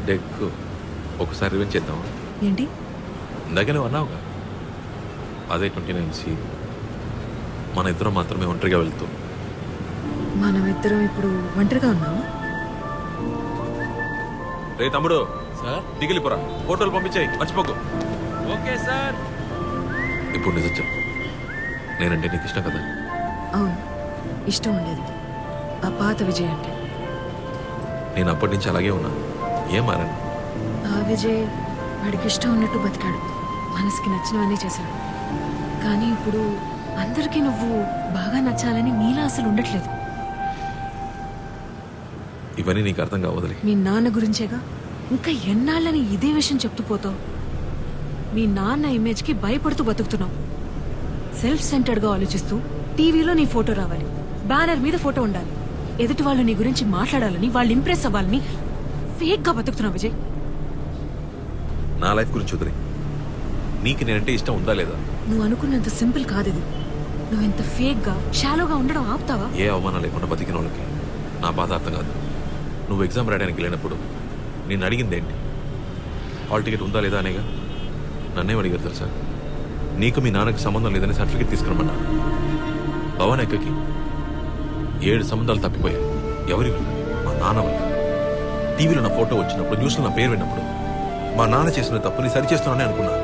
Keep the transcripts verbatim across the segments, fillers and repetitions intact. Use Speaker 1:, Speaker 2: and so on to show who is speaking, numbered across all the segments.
Speaker 1: Deck ఒకసారి revenge చేద్దామా?
Speaker 2: ఏంటి?
Speaker 1: ఇందాక నువ్వు అన్నావుగా అదే ట్వంటీ నైన్ సి మన ఇద్దరం మాత్రమే ఒంటరిగా వెళ్తూ.
Speaker 2: మనం ఇద్దరం ఇప్పుడు ఒంటరిగా ఉన్నామా?
Speaker 1: రే తమ్ముడు సార్ దిగిలిపోరా, ఫోటోలు పంపించాయి మర్చిపోకు.
Speaker 3: Okay sir.
Speaker 1: ఇప్పుడు నిజం చెప్పు, నేనంటే నీకు ఇష్టం కదా?
Speaker 2: అవును, ఇష్టం ఉండేది. ఆ పాత విజయ్ అంటే.
Speaker 1: నేను అప్పటి నుంచి అలాగే ఉన్నా, ఏం మారాను?
Speaker 2: ఆ విజయ్ వాడికి ఇష్టం ఉన్నట్టు బతికాడు, మనసుకి నచ్చినవన్నీ చేశాడు. కానీ ఇప్పుడు అందరికీ నువ్వు బాగా నచ్చాలని నీలా అసలు ఉండట్లేదు.
Speaker 1: ఇవన్నీ నీకు అర్థం కావదులే.
Speaker 2: మీ నాన్న గురించేగా ఇంకా ఎన్నాళ్ళని ఇదే విషయం చెప్తూ పోతావు. మీ నాన్న ఇమేజ్కి భయపడుతూ బతుకుతున్నావు. సెల్ఫ్ సెంటర్డ్గా ఆలోచిస్తూ టీవీలో నీ ఫోటో రావాలి, బ్యానర్ మీద ఫోటో ఉండాలి, ఎదుటి వాళ్ళు నీ గురించి మాట్లాడాలని, వాళ్ళు ఇంప్రెస్ అవ్వాలని ఫేక్గా బతుకుతున్నావు విజయ్.
Speaker 1: నా లైఫ్ గురించి వదిలే, నీకు నేనంటే ఇష్టం ఉందా లేదా?
Speaker 2: నువ్వు అనుకున్నంత సింపుల్ కాదు ఇది. నువ్వు ఇంత ఫేక్గా షాలోగా ఉండడం ఆపుతావా?
Speaker 1: ఏ అవమానం లేకుండా బతికిన వాళ్ళకి నా బాధ అర్థం కాదు. నువ్వు ఎగ్జామ్ రాయడానికి వెళ్ళినప్పుడు నేను అడిగింది ఏంటి? హాల్ టికెట్ ఉందా లేదా అనేగా. నన్నేం అడిగారు తెలుసా? నీకు మీ నాన్నకి సంబంధం లేదని సర్టిఫికేట్ తీసుకురమ్మన్నా. భవన్ ఎక్కకి ఏడు సంబంధాలు తప్పిపోయాయి. ఎవరి వల్ల? మా నాన్న వల్ల. టీవీలో నా ఫోటో వచ్చినప్పుడు, న్యూస్లో నా పేరు విన్నప్పుడు మా నాన్న చేసిన తప్పుని సరిచేస్తున్నానని అనుకున్నా.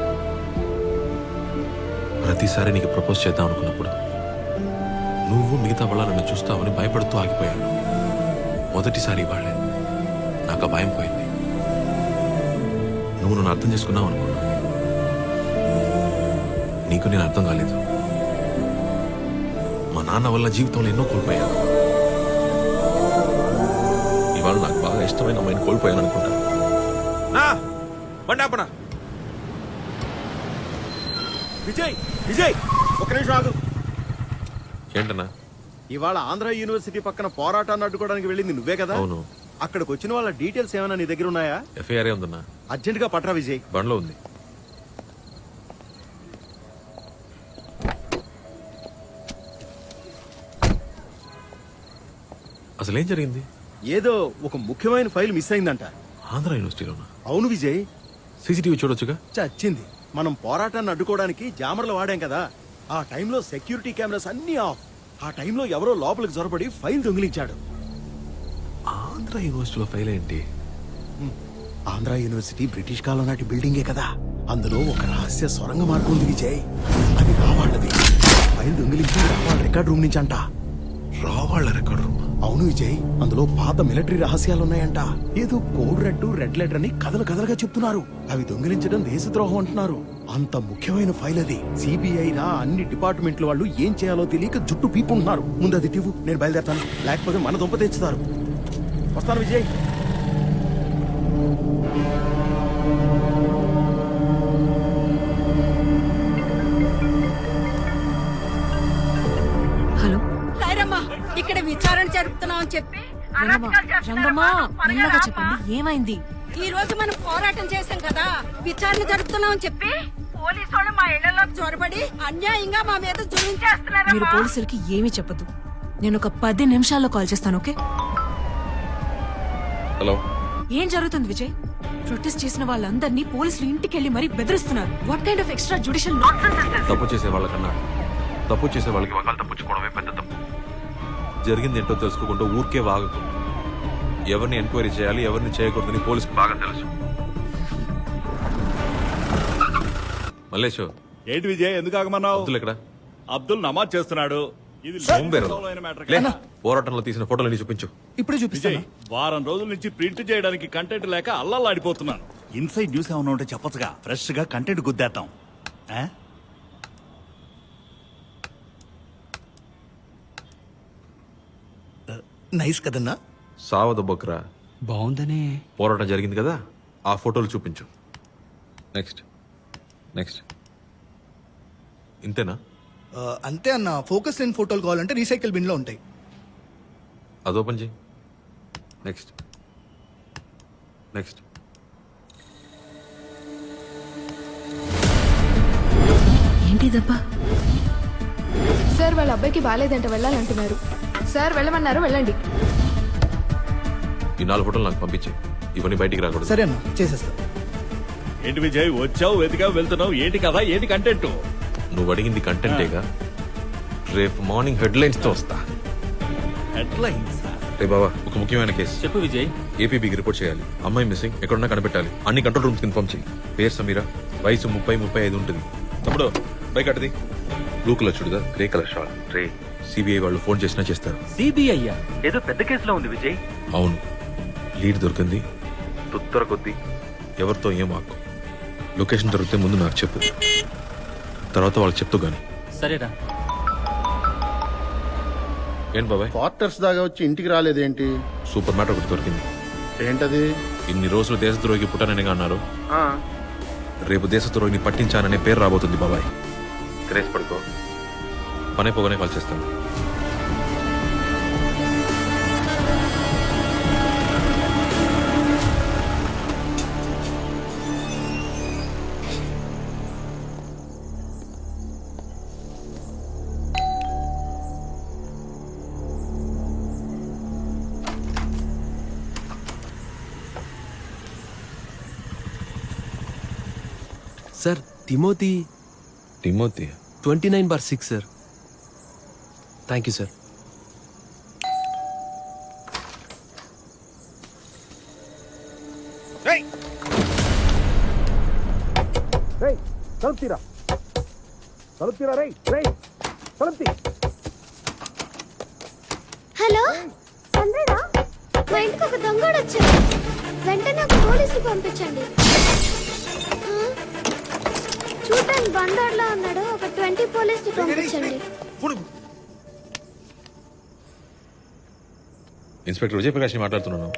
Speaker 1: ప్రతిసారి నీకు ప్రపోజ్ చేద్దాం అనుకున్నప్పుడు నువ్వు మిగతా వాళ్ళ నన్ను చూస్తావని భయపడుతూ ఆగిపోయాను. మొదటిసారి వాళ్ళే నాకు ఆ భయం పోయింది. నువ్వు నన్ను అర్థం చేసుకున్నావు అనుకున్నా. నీకు నేను అర్థం కాలేదు. మా నాన్న వల్ల జీవితంలో ఎన్నో కోల్పోయాను. ఇవాళ నాకు బాగా ఇష్టమైన అమ్మాయిని కోల్పోయాను అనుకుంటా. బండాపనా
Speaker 3: విజయ్ విజయ్ ఒక నిమిషం ఆగు.
Speaker 1: ఏంటన్నా?
Speaker 3: ఇవాళ ఆంధ్ర యూనివర్సిటీ పక్కన పోరాటాన్ని అడ్డుకోవడానికి వెళ్ళింది నువ్వే కదా?
Speaker 1: అవును.
Speaker 3: అక్కడికి వచ్చిన వాళ్ళ డీటెయిల్స్ ఏమైనా నీ దగ్గర ఉన్నాయా?
Speaker 1: ఎఫ్ఐఆర్ ఉందన్నా.
Speaker 3: అర్జెంట్ గా పట్రా విజయ్.
Speaker 1: బండ్లో ఉంది. అసలేం జరిగింది?
Speaker 3: ఏదో ఒక ముఖ్యమైన ఫైల్ మిస్ అయిందంట.
Speaker 1: ఆంధ్ర యూనివర్సిటీలోనా?
Speaker 3: అవును విజయ్.
Speaker 1: సీసీటీవీ చూడొచ్చుగా.
Speaker 3: చచ్చింది. మనం పోరాటాన్ని అడ్డుకోవడానికి జామర్లు వాడాం కదా, ఆ టైంలో సెక్యూరిటీ కెమెరాస్ అన్ని ఆఫ్. ఆ టైంలో ఎవరో లోపలికి జొరబడి ఫైల్ దొంగిలించాడు.
Speaker 1: ఆంధ్ర యూనివర్సిటీలో ఫైల్ ఏంటి?
Speaker 3: ఆంధ్ర యూనివర్సిటీ బ్రిటిష్ కాలం నాటి బిల్డింగే కదా, అందులో ఒక రహస్య సొరంగ మార్గం ఉంది విజయ్. అది రావాళ్ళది. ఫైల్ దొంగిలించి రావాళ్ళ రికార్డ్ రూమ్ నుంచి అంట.
Speaker 1: రావాళ్ళ రికార్డ్ రూమ్?
Speaker 3: అవును విజయ్, అందులో పాత మిలిటరీ రహస్యాలు ఉన్నాయంట. ఏదో కోడ్ రెడ్ రెడ్ లెటర్ అని కథలు కథలుగా చెప్తున్నారు. అవి దొంగిలించడం దేశద్రోహం అంటున్నారు. అంత ముఖ్యమైన ఫైల్ అది. సిబిఐ రా అన్ని డిపార్ట్మెంట్ల వాళ్ళు ఏం చేయాలో తెలియక జుట్టు పీపుంటున్నారు. ముందు అది టివ్వు, నేను బయలుదేరతాను. లేకపోతే మన దుంప తెచ్చుతారు. వస్తాను విజయ్.
Speaker 2: హలో
Speaker 4: రాయరమ్మా, ఇక్కడ విచారణ జరుపుతున్నాం అని చెప్పి
Speaker 2: రంగమ్మా, రంగమ్మా, మెల్లగా చెప్పండి, ఏమైంది?
Speaker 4: ఈ రోజు మనం పోరాటం చేశాం కదా, విచారణ జరుపుతున్నాం అని చెప్పి పోలీసు వాళ్ళు మా ఇళ్లలోకి చొరబడి అన్యాయంగా మా మీద
Speaker 2: మీరు
Speaker 4: జులించేస్తున్నారు.
Speaker 2: పోలీసులకి ఏమీ చెప్పదు. నేను ఒక పది నిమిషాల్లో కాల్ చేస్తాను, ఓకే?
Speaker 1: హలో.
Speaker 2: ఏం జరుగుతుంది విజయ్? ప్రొటెస్ట్ చేసిన వాళ్ళందరినీ పోలీసులు ఇంటికి వెళ్లి మరీ బెదిరిస్తున్నారు. What kind of extra judicial
Speaker 1: తప్పు చేసే వాళ్ళకన్నా తప్పు చేసే వాళ్ళకి ఒకళ్ళు తప్పించుకోవడమే పెద్ద తప్పు. జరిగింది ఏంటో తెలుసుకోకుండా ఊరికే వాగకు. ఎవరిని ఎంక్వైరీ చేయాలి, ఎవరిని చేయకూడదని పోలీసుకు బాగా తెలుసు. మల్లేష్,
Speaker 5: ఏంటి విజయ్, ఎందుకు ఆగమన్నావు?
Speaker 1: అబ్దుల్ ఎక్కడ?
Speaker 5: అబ్దుల్ నమాజ్ చేస్తున్నాడు. ఇది
Speaker 1: సోంబేరు.
Speaker 5: లోలైన matter
Speaker 1: లే,
Speaker 5: కదా.
Speaker 1: పోరాటంలో తీసిన ఫోటోలు చూపించు.
Speaker 6: ఇప్పుడే
Speaker 5: విజయ్,
Speaker 6: చూపిస్తాను.
Speaker 5: వారం రోజుల నుంచి ప్రింట్ చేయడానికి కంటెంట్ లేక అల్లల్లాడిపోతున్నాను. ఇన్సైడ్ న్యూస్ ఏమైనా ఉంటే చెప్పచ్చుగా, ఫ్రెష్ గా కంటెంట్ గుద్దేద్దాం. ఆ?
Speaker 6: నైస్ కదన్నా.
Speaker 1: సావద బొక్రా.
Speaker 6: బాగుందనే.
Speaker 1: పోరాటం జరిగింది కదా, ఆ ఫోటోలు చూపించు. నెక్స్ట్ నెక్స్ట్ ఇంతేనా?
Speaker 6: ఆ, అంతే అన్న. ఫోకస్ లేని ఫోటోలు కావాలంటే రీసైకిల్ బిన్ లో ఉంటాయి.
Speaker 1: అది ఓపెన్ చేయి. Next next
Speaker 2: ఏంటిదబ్బా?
Speaker 7: సార్ వాళ్ళ అబ్బాయికి బాగాలేదంట, వెళ్ళాలంటున్నారు. సార్ వెళ్ళమన్నారు, వెళ్ళండి.
Speaker 1: ఈ నాలుగు ఫోటోలు నాకు పంపించే. ఇవన్నీ బయటికి రాకూడదు.
Speaker 6: సరే అన్న చేసేస్తా.
Speaker 5: ఏంటి విజయ్ వచ్చావు వెతికావు వెళ్తున్నావు ఏంటి కదా ఏంటి కంటెంట్?
Speaker 1: నువ్వు అడిగింది కంటెంటేగా. రేపు మార్నింగ్ హెడ్లైన్స్ తో వస్తా.
Speaker 5: హెడ్లైన్స్
Speaker 1: రే బాబా, ఒక ముఖ్యమైన కేసు.
Speaker 8: చెప్పు విజయ్.
Speaker 1: ఏపీబీకి రిపోర్ట్ చేయాలి. అమ్మాయి మిస్సింగ్, ఎక్కడున్నా కనిపెట్టాలి. అన్ని కంట్రోల్ రూమ్స్ ఇన్ఫార్మ్ చేయి. పేరు సమీరా, వయసు ముప్పై ముప్పై ఐదు ఉంటుంది. తమ్ముడు బైక్ అటది. బ్లూ కలర్ చూడదా, గ్రే కలర్ షాల్. రే సిబిఐ వాళ్ళు ఫోన్ చేసినా చేస్తారు.
Speaker 8: సిబిఐ ఏదో పెద్ద కేసులో ఉంది విజయ్.
Speaker 1: అవును, లీడ్ దొరికింది. తుత్తర కొద్ది ఎవరితో ఏం ఆకు. లొకేషన్ దొరికితే ముందు నాకు చెప్పు, తర్వాత వాళ్ళకి చెప్తూ గాని.
Speaker 8: సరేరా.
Speaker 1: ఏం బాబాయ్,
Speaker 9: క్వార్టర్స్ దాకా వచ్చి ఇంటికి రాలేదేంటి?
Speaker 1: సూపర్ మ్యాటర్ ఒకటి దొరికింది.
Speaker 9: ఏంటది?
Speaker 1: ఇన్ని రోజులు దేశద్రోహికి పుట్టాననిగా అన్నారు. రేపు దేశద్రోహిని పట్టించాననే పేరు రాబోతుంది బాబాయ్. క్రేజ్ పడుకో, పనే పోగానే కాల్ చేస్తాను.
Speaker 10: Sir Timothy
Speaker 1: Timothy
Speaker 10: twenty nine bar six sir. Thank you sir.
Speaker 11: Hello చంద్రనా, మా ఇంటికి ఒక దొంగడు వచ్చాడు. వెంటనే ఒక పోలీసు పంపించండి. ఆ? చూడడానికి బందోడ్లా ఉన్నాడు. ఒక ట్వంటీ పోలీసులు పంపించండి.
Speaker 1: ఇన్స్పెక్టర్ విజయప్రకాష్ ని మాట్లాడుతున్నాను.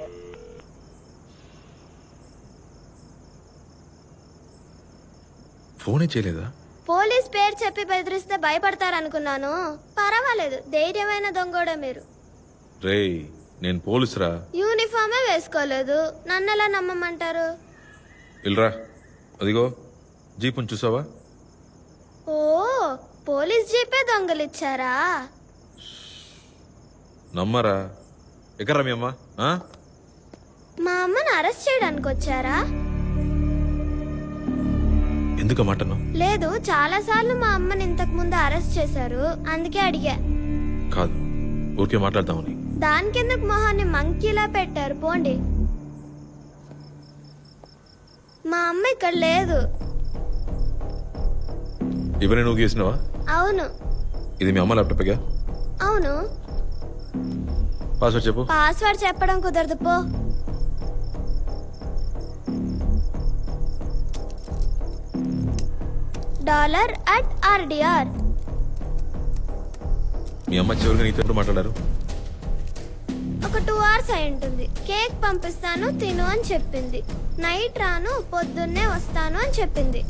Speaker 1: ఫోనే చేయలేదా?
Speaker 11: పోలీస్ పేరు చెప్పి బెదిరిస్తే భయపడతారనుకున్నాను. పర్వాలేదు, ధైర్యమైన దొంగోడే మీరు.
Speaker 1: రేయ్, నేను పోలీసురా.
Speaker 11: యూనిఫామే వేసుకోలేదు, నన్నెలా నమ్మమంటారు?
Speaker 1: ఇల్రా, అదిగో జీపుని చూసావా?
Speaker 11: ఓ, పోలీస్ జీపే దొంగలిచ్చారా?
Speaker 1: నమ్మరా? ఎక్కడ్రా మీ అమ్మ? ఆ?
Speaker 11: మా అమ్మని అరెస్ట్ చేయడానికి వచ్చారా?
Speaker 1: ఎందుకు మాటను?
Speaker 11: లేదు, చాలా సార్లు మా అమ్మని ఇంతకు ముందు అరెస్ట్ చేశారు, అందుకే అడిగా.
Speaker 1: కాదు, ఊరికే మాట్లాడతామని.
Speaker 11: దానికెందుకు మొహాన్ని మంకీలా పెట్టారు? పోండి. మా అమ్మ ఇక్కడ లేదు.
Speaker 1: ఇవన్నీ నువ్వు గీసినవా?
Speaker 11: అవును.
Speaker 1: ఇది మీ అమ్మ ల్యాప్టాప్గా?
Speaker 11: అవును.
Speaker 1: పాస్వర్డ్ చెప్పు.
Speaker 11: పాస్వర్డ్ చెప్పడం కుదరదు, పో. Dollar at r dr.
Speaker 1: మీ అమ్మ చివరిగా నీతో ఎప్పుడు మాట్లాడారు?
Speaker 11: ఒక టూ అవర్స్ అయి ఉంటుంది. కేక్ పంపిస్తాను తిను అని చెప్పింది. నైట్ రాను, పొద్దున్నే వస్తాను అని చెప్పింది.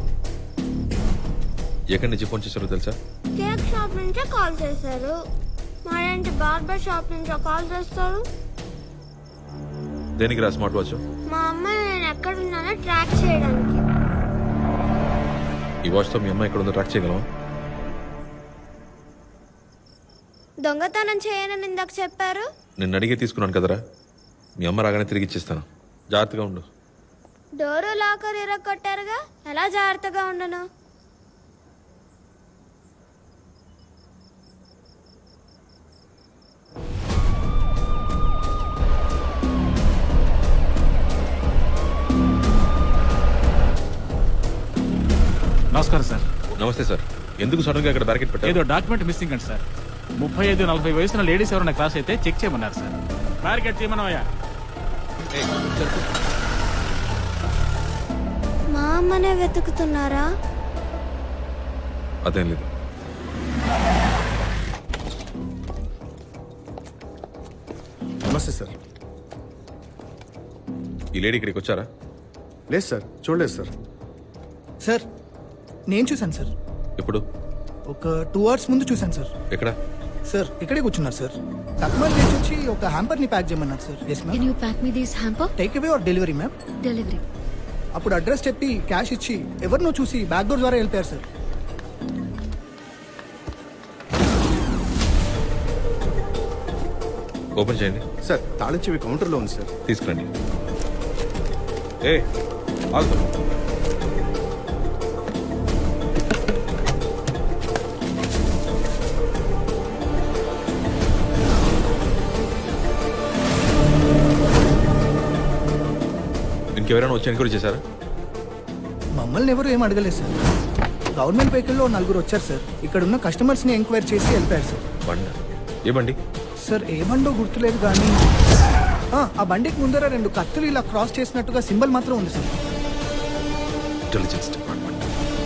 Speaker 1: ఎక్కడి నుంచి ఫోన్ చేశారో తెలుసా?
Speaker 11: కేక్ షాప్ నుంచే కాల్ చేశారు. మరేంటి బార్బర్ షాప్ నుంచో కాల్ చేస్తారు?
Speaker 1: దేనికి రా స్మార్ట్ వాచ్?
Speaker 11: మా అమ్మాయి నేను ఎక్కడున్నానో ట్రాక్ చేయడానికి.
Speaker 1: ఈ వాచ్తో మీ అమ్మ ఎక్కడ ఉందో ట్రాక్ చేయగలవా?
Speaker 11: దొంగతనం చేయనని ఇందాక చెప్పారు.
Speaker 1: నిన్ను అడిగే తీసుకున్నాను కదరా. మీ అమ్మ రాగానే తిరిగి ఇచ్చేస్తాను. జాగ్రత్తగా ఉండు.
Speaker 11: డోరు లాకర్ ఇరగొట్టారుగా, ఎలా జాగ్రత్తగా ఉండను?
Speaker 5: నమస్కారం సార్.
Speaker 1: నమస్తే సార్. ఎందుకు సడన్ గా ఇక్కడ బ్యారికేడ్ పెట్టారు?
Speaker 5: ఏదో డాక్యుమెంట్ మిస్సింగ్ అండి సార్. ముప్పై ఐదు నలభై వయసున్న లేడీస్ ఎవరైనా క్రాస్ అయితే చెక్ చేయమన్నారు సార్. బ్యారికేడ్ చేయమన్నాయా?
Speaker 11: మా అమ్మనే వెతుకుతున్నారా?
Speaker 1: అదేం లేదు.
Speaker 9: నమస్తే సార్.
Speaker 1: ఈ లేడీ ఇక్కడికి వచ్చారా?
Speaker 9: లేదు సార్, చూడలేదు సార్.
Speaker 6: సార్ నేను చూశాను సార్.
Speaker 1: ఎప్పుడు?
Speaker 6: ఒక టూ అవర్స్ ముందు చూశాను సార్.
Speaker 1: ఎక్కడ?
Speaker 6: సార్ ఇక్కడే కూర్చున్నారు సార్. కస్టమర్ చేసి వచ్చి ఒక హ్యాంపర్ ని ప్యాక్ చేయమన్నారు sir. Yes ma'am.
Speaker 7: Can you pack me this hamper?
Speaker 6: Take away or delivery ma'am?
Speaker 7: Delivery.
Speaker 6: అప్పుడు అడ్రస్ చెప్పి క్యాష్ ఇచ్చి ఎవరినో చూసి బ్యాక్ డోర్ ద్వారా వెళ్ళిపోయారు సార్.
Speaker 1: ఓపెన్ చేయండి
Speaker 9: సార్ తాళం చెవి కౌంటర్లో ఉంది సార్.
Speaker 1: తీసుకురండి. ఏ ఆగు. ఇంకెవరైనా వచ్చి ఎంక్వైరీ చేశారా?
Speaker 6: మమ్మల్ని ఎవరు ఏం అడగలేదు సార్. గవర్నమెంట్ వెహికల్లో నలుగురు వచ్చారు సార్. ఇక్కడ ఉన్న కస్టమర్స్ ని ఎంక్వైరీ చేసి వెళ్ళిపోయారు సార్.
Speaker 1: బండ ఏ బండి?
Speaker 6: సార్ ఏ బండో గుర్తులేదు కానీ ఆ, ఆ బండికి ముందర రెండు కత్తులు ఇలా క్రాస్ చేసినట్టుగా సింబల్ మాత్రం ఉంది sir.
Speaker 1: Intelligence department.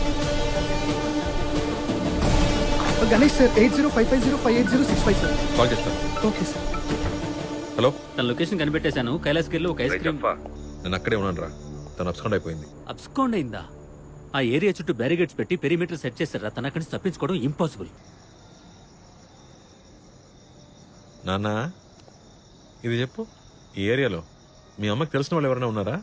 Speaker 6: Ganesh sir eight zero five five zero five eight zero six five sir.
Speaker 1: Call చేస్తాను.
Speaker 6: Okay sir.
Speaker 1: హలో,
Speaker 8: తన లొకేషన్ కనిపెట్టేశాను. కైలాస్గిరిలో ఒక ఐస్ క్రీమ్
Speaker 1: నేను అక్కడే ఉన్నాను రా. తను అబ్స్కాండ్ అయిపోయింది.
Speaker 8: అబ్స్కాండ్ అయిందా? ఆ ఏరియా చుట్టూ బ్యారిగేట్స్ పెట్టి పెరిమీటర్ సెట్ చేశారా? తన అక్కడి నుంచి తప్పించుకోవడం ఇంపాసిబుల్.
Speaker 1: నాన్న ఇది చెప్పు, ఈ ఏరియాలో మీ అమ్మకి తెలిసిన వాళ్ళు ఎవరైనా ఉన్నారా?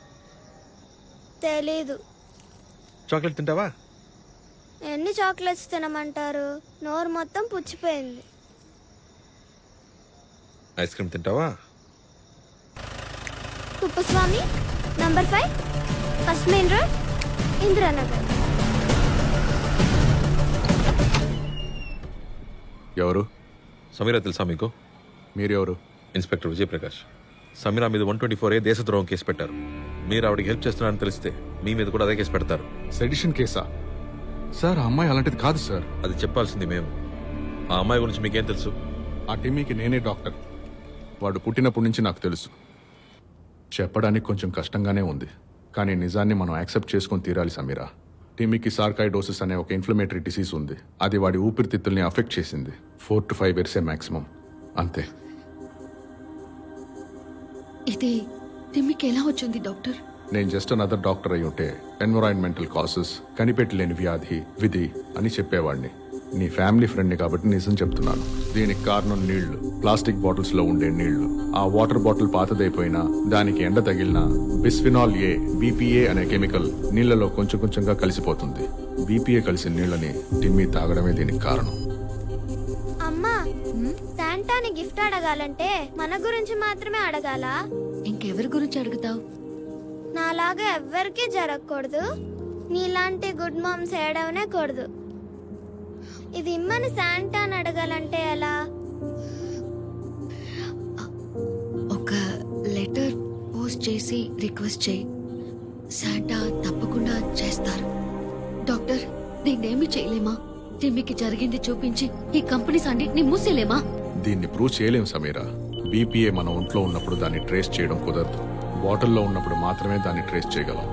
Speaker 11: తెలీదు.
Speaker 1: చాక్లెట్ తింటావా?
Speaker 11: ఎన్ని చాక్లెట్స్ తినమంటారు? నోరు మొత్తం పుచ్చిపోయింది.
Speaker 1: ఐస్ క్రీమ్ తింటావా?
Speaker 11: Kuppuswamy number five first main road Indiranagar.
Speaker 3: ఎవరు?
Speaker 1: సమీరా తెలుసా మీకు?
Speaker 3: మీరెవరు?
Speaker 1: ఇన్స్పెక్టర్ విజయప్రకాష్. సమీరా మీద వన్ ట్వంటీ ఫోర్ ఏ దేశద్రోహం కేసు పెట్టారు. మీరు ఆవిడకి హెల్ప్ చేస్తున్నారని తెలిస్తే మీ మీద కూడా అదే కేసు పెడతారు.
Speaker 3: సెడిషన్ కేసా? సార్ ఆ అమ్మాయి అలాంటిది కాదు సార్.
Speaker 1: అది చెప్పాల్సింది మేము. ఆ అమ్మాయి గురించి మీకేం తెలుసు?
Speaker 3: ఆ టిమ్మీకి నేనే డాక్టర్. వాడు పుట్టినప్పటి నుంచి నాకు తెలుసు. చెప్పడానికి కొంచెం కష్టంగానే ఉంది, కానీ నిజాన్ని మనం యాక్సెప్ట్ చేసుకొని తీరాలి సమీరా. టిమ్మీకి సార్కాయిడోసిస్ అనే ఒక ఇన్ఫ్లమేటరీ డిసీజ్ ఉంది. అది వాడి ఊపిరితిత్తుల్ని అఫెక్ట్ చేసింది. ఫోర్ టు ఫైవ్ ఇయర్సే మాక్సిమం, అంతే.
Speaker 7: ఇది తిమ్మికి ఎలా వచ్చింది డాక్టర్?
Speaker 3: నేను జస్ట్ అనదర్ డాక్టర్ అయి ఉంటే ఎన్విరాన్మెంటల్ కాసెస్, కనిపెట్టలేని వ్యాధి, విధి అని చెప్పేవాడిని. నీ ఫ్యామిలీ ఫ్రెండ్ని కాబట్టి నిజం చెప్తున్నాను. దీనికి కారణం నీళ్లు, ప్లాస్టిక్ బాటిల్స్ లో ఉండే నీళ్లు. ఆ వాటర్ బాటిల్ పాతదైపోయినా దానికి ఎండ తగిలినా బిస్ఫినాల్ ఏ, బీపీఏ అనే కెమికల్ నీళ్లలో కొంచెం కొంచెంగా కలిసిపోతుంది. బీపీఏ కలిసిన నీళ్ళని టిమ్మీ తాగడమే దీనికి కారణం.
Speaker 11: అమ్మా, శాంటాని గిఫ్ట్ అడగాలంటే మన గురించి మాత్రమే అడగాలా?
Speaker 7: ఇంకెవరి గురించి అడుగుతావు?
Speaker 11: నాలాగా ఎవ్వరికీ జరగకూడదు. నీలాంటి గుడ్ మామ్స్ ఏడవనే కూడదు. ఇది ఇమ్మని శాంటాని అడగాలంటే ఎలా?
Speaker 7: ఒక లెటర్ పోస్ట్ చేసి రిక్వెస్ట్ చేయి. శాంటా తప్పకుండా చేస్తారు. డాక్టర్, దీన్నేమి చేయలేమా? టిమ్మికి జరిగింది చూపించి ఈ కంపెనీస్ అన్నిటిని మూసేలేమా?
Speaker 3: దీన్ని ప్రూవ్ చేయలేం సమీరా. బీపీఏ మన ఒంట్లో ఉన్నప్పుడు దాన్ని ట్రేస్ చేయడం కుదరదు. బాటిల్లో ఉన్నప్పుడు మాత్రమే దాన్ని ట్రేస్ చేయగలం.